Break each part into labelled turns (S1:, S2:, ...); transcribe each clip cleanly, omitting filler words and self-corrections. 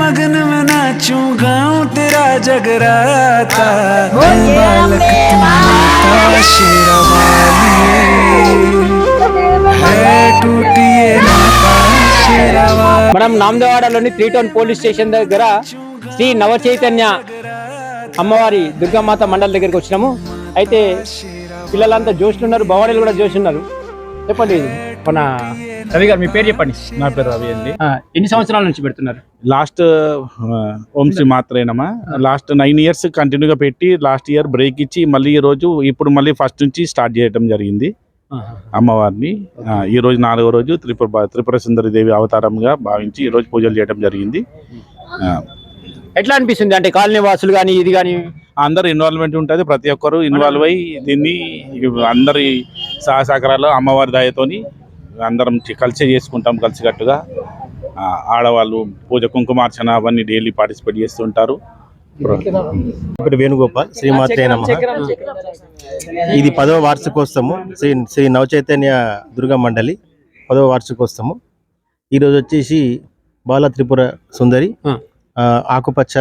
S1: लगन में नाचूं गाऊं तेरा जगराता बालक माता शेरवाली है टूटिए नाता शेरवाली।
S2: మనం నామదేవాడలోని 3 టౌన్ పోలీస్ స్టేషన్ దగ్గర శ్రీ నవ చైతన్య అమ్మవారి దుర్గామాత మండలి దగ్గరికి వచ్చినాము. అయితే పిల్లలంతా జోష్లున్నారు, భవానీలు కూడా జోష్లున్నారు. చెప్పండి మన రవి గారు, మీ పేరు చెప్పండి.
S3: నా పేరు రవి అండి.
S2: ఎన్ని సంవత్సరాల నుంచి పెడుతున్నారు?
S3: లాస్ట్ ఓం శ్రీ మాత్రేనమా లాస్ట్ 9 years కంటిన్యూగా పెట్టి లాస్ట్ ఇయర్ బ్రేక్ ఇచ్చి మళ్ళీ ఈ రోజు ఇప్పుడు మళ్ళీ ఫస్ట్ నుంచి స్టార్ట్ చేయడం జరిగింది అమ్మవారిని. ఈ రోజు 4వ రోజు త్రిపుర సుందరి దేవి అవతారంగా భావించి ఈ రోజు పూజలు చేయడం జరిగింది.
S2: ఎట్లా అనిపిస్తుంది అంటే కాలనీ వాసులు కానీ ఇది కానీ
S3: అందరు ఇన్వాల్వ్మెంట్ ఉంటుంది, ప్రతి ఒక్కరు ఇన్వాల్వ్ అయ్యి దీన్ని అందరి సహసహకారాలు అమ్మవారి దయతోని అందరం కలిసి చేసుకుంటాం. కలిసికట్టుగా ఆడవాళ్ళు పూజ కుంకుమార్చన అవన్నీ డైలీ పార్టిసిపేట్ చేస్తుంటారు.
S4: ఇప్పుడు వేణుగోపాల్, శ్రీమాత్రే నమః. ఇది 10వ వార్షికోత్సవము శ్రీ నవచైతన్య దుర్గా మండలి 10వ వార్షికోత్సవము. ఈరోజు వచ్చేసి బాల త్రిపుర సుందరి ఆకుపచ్చ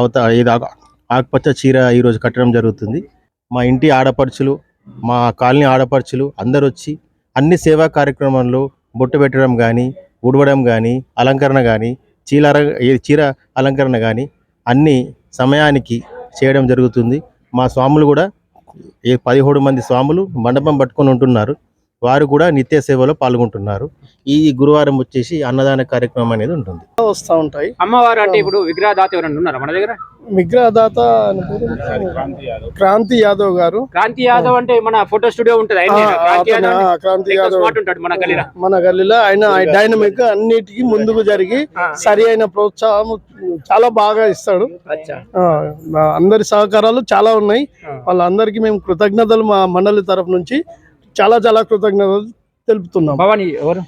S4: ఆకుపచ్చ చీర ఈరోజు కట్టడం జరుగుతుంది. మా ఇంటి ఆడపడుచులు, మా కాలనీ ఆడపడుచులు అందరు వచ్చి అన్ని సేవా కార్యక్రమాల్లో బొట్టు పెట్టడం కానీ, ఉడవడం కానీ, అలంకరణ కానీ, చీర అలంకరణ కానీ అన్ని సమయానికి చేయడం జరుగుతుంది. మా స్వాములు కూడా 17 మంది స్వాములు మండపం పట్టుకొని ఉంటున్నారు. వారు కూడా నిత్య సేవలో పాల్గొంటున్నారు. ఈ గురువారం వచ్చేసి అన్నదాన కార్యక్రమం అనేది ఉంటుంది.
S5: వస్తూ ఉంటాయి.
S2: అమ్మవారు అంటే ఇప్పుడు విగ్రహదాత ఎవరైనా ఉన్నారా మన దగ్గర?
S5: విగ్రహదాత క్రాంతి యాదవ్ గారు.
S2: క్రాంతి యాదవ్ అంటే మన ఫోటో స్టూడియో ఉంటుంది.
S5: క్రాంతి యాదవ్
S2: ఉంటాడు మన
S5: గల్లీలో. ఆయన డైనమిక్ అన్నిటికీ ముందుకు జరిగి సరి అయిన ప్రోత్సాహం చాలా బాగా ఇస్తాడు. అందరి సహకారాలు చాలా ఉన్నాయి. వాళ్ళందరికీ మేము కృతజ్ఞతలు మా మండలి తరఫు నుంచి చాలా చాలా కృతజ్ఞతలు తెలుపుతున్నాం.
S2: భవానీ ఎవరు?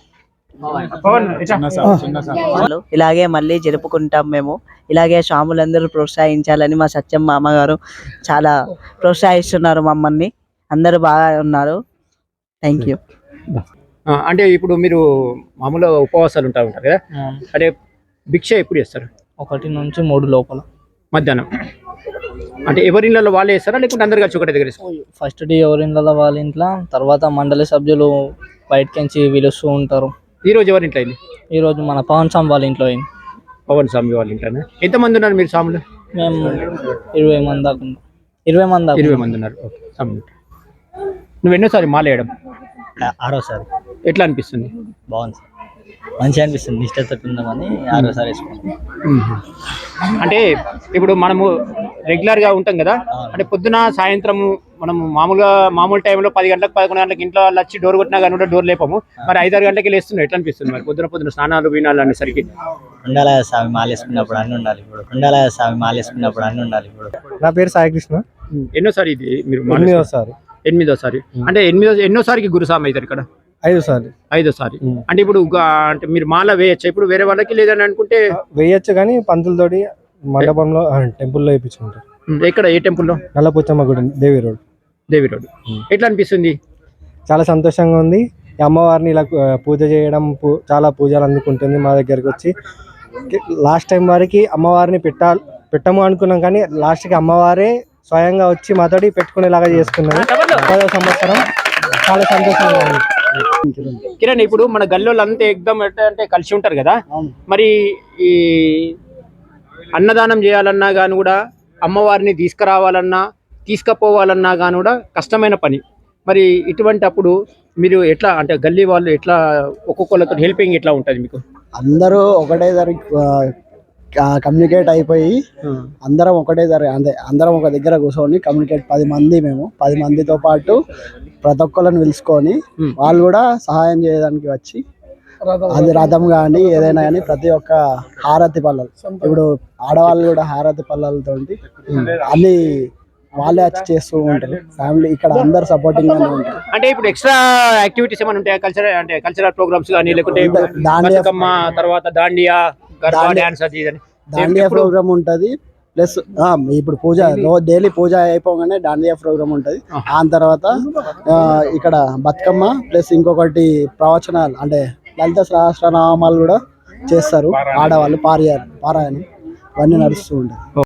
S6: ఇలాగే మళ్ళీ జరుపుకుంటాం మేము. ఇలాగే స్వాములందరూ ప్రోత్సహించాలని మా సత్యం మామగారు చాలా ప్రోత్సహిస్తున్నారు మమ్మల్ని. అందరూ బాగా ఉన్నారు. Thank you.
S2: అంటే ఇప్పుడు మీరు మామూలుగా ఉపవాసాలు ఉంటారు కదా, అంటే భిక్ష ఎప్పుడు చేస్తారు?
S7: 1 నుంచి 3 లోపల
S2: మధ్యాహ్నం. అంటే ఎవరిళ్ళలో వాళ్ళే వేస్తారా లేకుంటే అందరు కలిసి ఒకటి దగ్గర?
S7: ఫస్ట్ డే ఎవరిళ్ళలో వాళ్ళ ఇంట్లో, తర్వాత మండలి సభ్యులు బయటకించి పిలుస్తూ ఉంటారు.
S2: ఈ రోజు ఎవరి ఇంట్లో అయింది?
S7: ఈ రోజు మన పవన్ స్వామి వాళ్ళ ఇంట్లో అయింది.
S2: పవన్ స్వామి వాళ్ళ ఇంట్లోనే ఎంతమంది ఉన్నారు మీరు స్వాములు?
S7: మేము 20 మంది దాకా ఉన్నాం. 20 మంది
S2: ఉన్నారు. నువ్వు ఎన్నోసారి మాల వేయడం?
S7: 6వసారి.
S2: ఎట్లా అనిపిస్తుంది?
S7: బాగుంది, మంచిగా అనిపిస్తుంది. నిష్ఠతో ఉందామని 6వసారి వేసుకున్నాం.
S2: అంటే ఇప్పుడు మనము రెగ్యులర్ గా ఉంటాం కదా, అంటే పొద్దున సాయంత్రం మనము మామూలు టైంలో 10 గంటలకు 11 గంటలకు ఇంట్లో వాళ్ళు వచ్చి డోర్ కొట్టినా కానీ డోర్ లేపము. మరి 5-6 గంటలకి లేస్తున్నాయి. ఎట్లా అనిపిస్తుంది మరి పొద్దున స్నానాలు వీనాలు అనేసరికి?
S7: ఉండాలి స్వామి మాలేసుకున్నప్పుడు అన్ని ఉండాలి. ఇప్పుడు ఉండాలి స్వామి మాలేసుకున్నప్పుడు అన్ని ఉండాలి. ఇప్పుడు
S5: నా పేరు సాయికృష్ణ.
S2: ఎన్నోసారి ఇది మీరు?
S5: 8వసారి.
S2: అంటే ఎన్నోసారికి గురుస్వామి అవుతారు ఇక్కడ? 5వసారి. అంటే ఇప్పుడు అంటే మీరు మాల వేయచ్చు ఇప్పుడు వేరే వాళ్ళకి, లేదని అనుకుంటే
S5: వేయచ్చు కానీ పంతులతోటి మండపంలో టెంపుల్లో వేయించుకుంటారు.
S2: ఎక్కడ? ఏ టెంపుల్లో?
S5: నల్లపోచమ్మ గుడి, దేవి రోడ్.
S2: ఎట్లా అనిపిస్తుంది?
S5: చాలా సంతోషంగా ఉంది. ఈ అమ్మవారిని ఇలా పూజ చేయడం, చాలా పూజలు అందుకుంటుంది మా దగ్గరకు వచ్చి. లాస్ట్ టైం వారికి అమ్మవారిని పెట్టము అనుకున్నాం కానీ లాస్ట్కి అమ్మవారే స్వయంగా వచ్చి మాతోటి పెట్టుకునేలాగా చేసుకున్నాను. 10వ సంవత్సరం. చాలా సంతోషంగా ఉంది.
S2: కిరణ్, ఇప్పుడు మన గల్లోళ్ళు అంతా ఎగ్దమ్ అంటే కలిసి ఉంటారు కదా, మరి ఈ అన్నదానం చేయాలన్నా కానీ కూడా, అమ్మవారిని తీసుకురావాలన్నా తీసుకుపోవాలన్నా కానీ కూడా కష్టమైన పని. మరి ఇటువంటి అప్పుడు మీరు ఎట్లా, అంటే గల్లీ వాళ్ళు ఎట్లా ఒక్కొక్కరితో హెల్పింగ్ ఎట్లా ఉంటుంది మీకు?
S8: అందరూ ఒకటే కమ్యూనికేట్ అయిపోయి అందరం ఒకటే అంటే అందరం ఒక దగ్గర కూర్చొని కమ్యూనికేట్ 10 మందితో పాటు ప్రతి ఒక్కళ్ళని పిలుచుకొని వాళ్ళు కూడా సహాయం చేయడానికి వచ్చి, అది రథం కానీ ఏదైనా కానీ ప్రతి ఒక్క హారతి పల్లలు, ఇప్పుడు ఆడవాళ్ళు కూడా హారతి పల్లలతో అన్ని వాళ్ళే వచ్చి చేస్తూ ఉంటారు. ఫ్యామిలీ ఇక్కడ అందరు సపోర్టింగ్ గానే ఉంటారు.
S2: అంటే ఇప్పుడు ఎక్స్ట్రా యాక్టివిటీస్ ఏమైనా ఉంటాయా? కల్చరల్ ప్రోగ్రామ్స్ కానీ, లేకుంటే తర్వాత దాండియా
S8: ప్రోగ్రామ్ ఉంటది. ప్లస్ ఇప్పుడు పూజ డైలీ పూజ అయిపోగానే దాండియా ప్రోగ్రామ్ ఉంటుంది. దాని తర్వాత ఇక్కడ బతుకమ్మ ప్లస్ ఇంకొకటి ప్రవచనాలు, అంటే లలిత సహస్రనామాలు కూడా చేస్తారు ఆడవాళ్ళు, పారాయణం. ఇవన్నీ నడుస్తూ ఉంటాయి.